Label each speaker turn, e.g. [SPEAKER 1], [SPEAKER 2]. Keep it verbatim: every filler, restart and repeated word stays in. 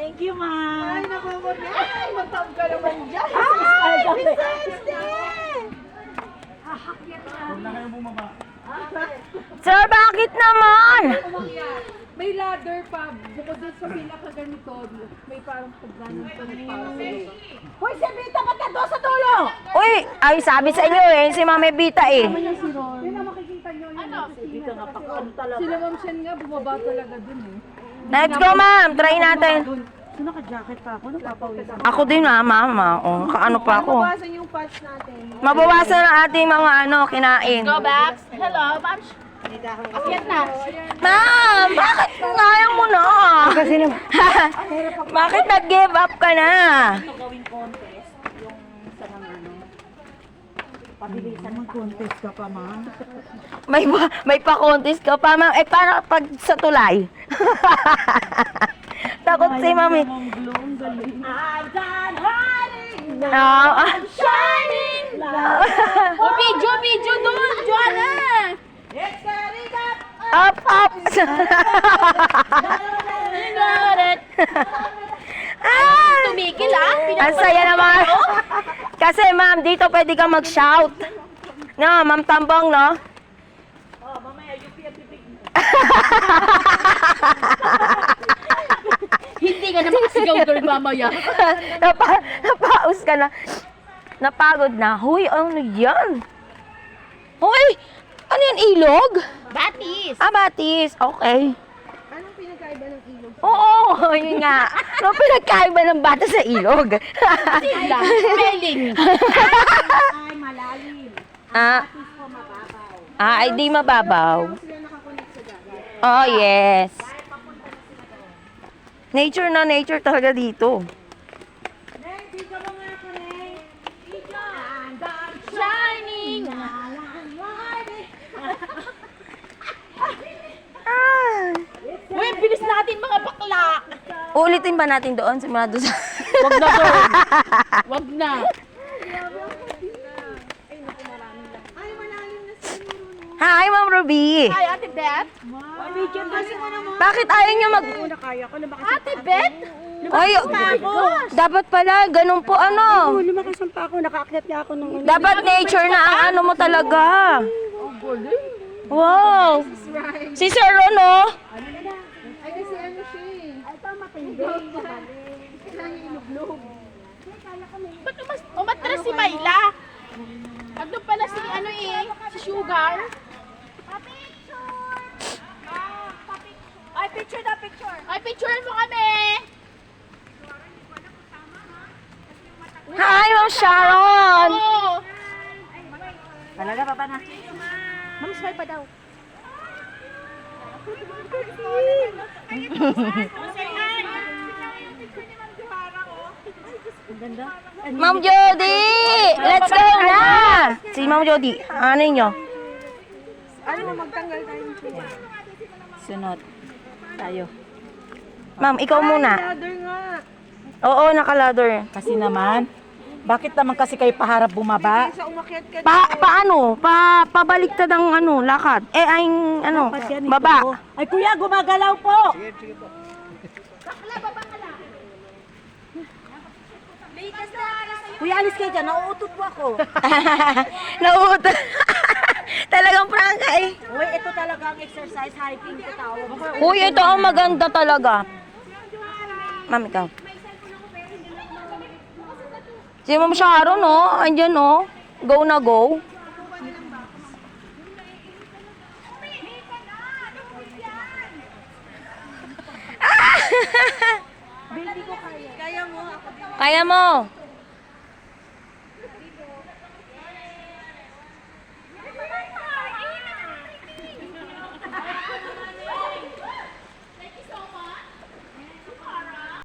[SPEAKER 1] Thank you, ma'am.
[SPEAKER 2] Ay, nakakot. Ay, magtawag ka naman dyan.
[SPEAKER 1] Ay,
[SPEAKER 2] Miss Esty!
[SPEAKER 3] Huwag na kayong bumaba.
[SPEAKER 4] Sir, bakit naman?
[SPEAKER 2] May ladder pa. Bukod dun sa pinaka-ganito, may parang pagdanan pa ng parcel. Hoy, si Vita, ba't na doon sa tulo?
[SPEAKER 4] Uy, ay sabi sa inyo eh, si Mami Vita eh.
[SPEAKER 2] Yun na makikita nyo yun. Ano?
[SPEAKER 1] Dito nga pa ano talaga.
[SPEAKER 2] Sila Ma'am Shen nga, bumaba talaga dun eh.
[SPEAKER 4] Let's go, ma'am. Try natin.
[SPEAKER 1] So, naka-jacket pa ako. Napapawisan.
[SPEAKER 4] Ako din, ma'am. Mama. Oh, kaano pa ako.
[SPEAKER 2] Mabawasan yung patch natin.
[SPEAKER 4] Mabawasan ang ating mga ano, kinain.
[SPEAKER 5] Go back. Hello, ma'am. Akyat na.
[SPEAKER 4] Ma'am, bakit kaya mo na?
[SPEAKER 1] Kasi naman.
[SPEAKER 4] Bakit nag-give up ka na?
[SPEAKER 1] Ito gawing contest. Yung sa mga ano. Pabilisan ng contest ka pa, ma'am.
[SPEAKER 4] May pa- may pa-contest ka pa, ma'am. Eh, para pag sa tulay. Takot si mami.
[SPEAKER 1] Ang glow, ang galing.
[SPEAKER 2] I'm done hiding.
[SPEAKER 4] Ah, ah.
[SPEAKER 2] Shining.
[SPEAKER 5] O, video, video doon. Joanna.
[SPEAKER 2] It's getting up.
[SPEAKER 4] Up, up.
[SPEAKER 5] Got it.
[SPEAKER 4] Ah!
[SPEAKER 5] Tumikil ah.
[SPEAKER 4] Ang saya naman. Kasi ma'am, dito pwede ka mag-shout. No, ma'am Tambong, no?
[SPEAKER 1] Oh, mamaya, yung piyapipig mo.
[SPEAKER 5] Hindi ka na makasigaw girl mamaya.
[SPEAKER 4] Napa, napaus ka na. Napagod na. Huy, ano yan? Huy, ano yan, ilog?
[SPEAKER 5] Batis.
[SPEAKER 4] Ah, batis. Okay.
[SPEAKER 2] Anong pinagkaiba ng ilog?
[SPEAKER 4] Oo, yun nga. Ano pinagkaiba ng bata sa ilog?
[SPEAKER 5] Sila. Spelling.
[SPEAKER 1] Ay, malalim.
[SPEAKER 4] ah,
[SPEAKER 1] Atis ko mababaw.
[SPEAKER 4] ah, ay di mababaw.
[SPEAKER 2] Sila nakakonect sa dagat.
[SPEAKER 4] Oh, yes. Nature na nature talaga dito.
[SPEAKER 2] Neng, video mo nga ako, Neng. Video. I'm done
[SPEAKER 5] Shining.
[SPEAKER 4] Ah.
[SPEAKER 5] Uy, bilis natin mga bakla.
[SPEAKER 4] Ulitin ba natin doon? Simula doon sa...
[SPEAKER 5] Wag na girl. Wag na.
[SPEAKER 2] Ay, malalim na siguro, no?
[SPEAKER 4] Hi, Ma'am Ruby.
[SPEAKER 5] Hi, Ate Beth.
[SPEAKER 1] Medium kasi mo naman.
[SPEAKER 4] Bakit ayaw niyo mag...
[SPEAKER 1] Una kaya ko, lumakas
[SPEAKER 5] Ate Beth.
[SPEAKER 4] Ay, dapat pala, ganun po ano.
[SPEAKER 1] ako. Lumakas ang pa ako. Nakaakyat niya ako nung una.
[SPEAKER 4] Dapat nature na ang ano mo talaga. Wow. Si Sir Ron, oh.
[SPEAKER 2] Ay, kasi ano siya eh.
[SPEAKER 1] Ay, pa matindi.
[SPEAKER 2] Kailangan iluglog.
[SPEAKER 5] Ba't umas umatras si Mayla? Ano pala si ano eh, si Sugar?
[SPEAKER 1] Ay, picture na picture.
[SPEAKER 5] Ay, picturean mo kami.
[SPEAKER 4] Hi, Ma'am Sharon.
[SPEAKER 5] Oo.
[SPEAKER 1] Talaga, papa na. Ma'am, smile pa daw. Ang ganda.
[SPEAKER 4] Ma'am Jody. Let's go na. Si Ma'am Jody. Ano niyo?
[SPEAKER 2] Ano, magtanggal tayo ng tuwa.
[SPEAKER 1] Sunod. Tayo.
[SPEAKER 4] Ma'am, ikaw muna.
[SPEAKER 2] Ladder nga.
[SPEAKER 4] Oo, naka-ladder.
[SPEAKER 1] Kasi naman, bakit naman kasi kayo paharap bumaba?
[SPEAKER 2] Sa umakyat ka
[SPEAKER 4] Pa, paano? Pa, pabaliktad ang ano, lakad. Eh, ay, ano,
[SPEAKER 1] Dapat yan ito.
[SPEAKER 4] baba.
[SPEAKER 1] Ay, kuya, gumagalaw po. Kuya, alis kayo dyan. Nauutot po ako.
[SPEAKER 4] Nauutot. Talagang prangka eh.
[SPEAKER 1] Uy, ito talaga ang exercise. Hiking ko tawag.
[SPEAKER 4] Uy, ito ang maganda talaga. Ma'am, ikaw. Si Ma'am Sharon, oh. Andyan, oh. Go na go.
[SPEAKER 2] Kaya mo, ako
[SPEAKER 4] Kaya mo.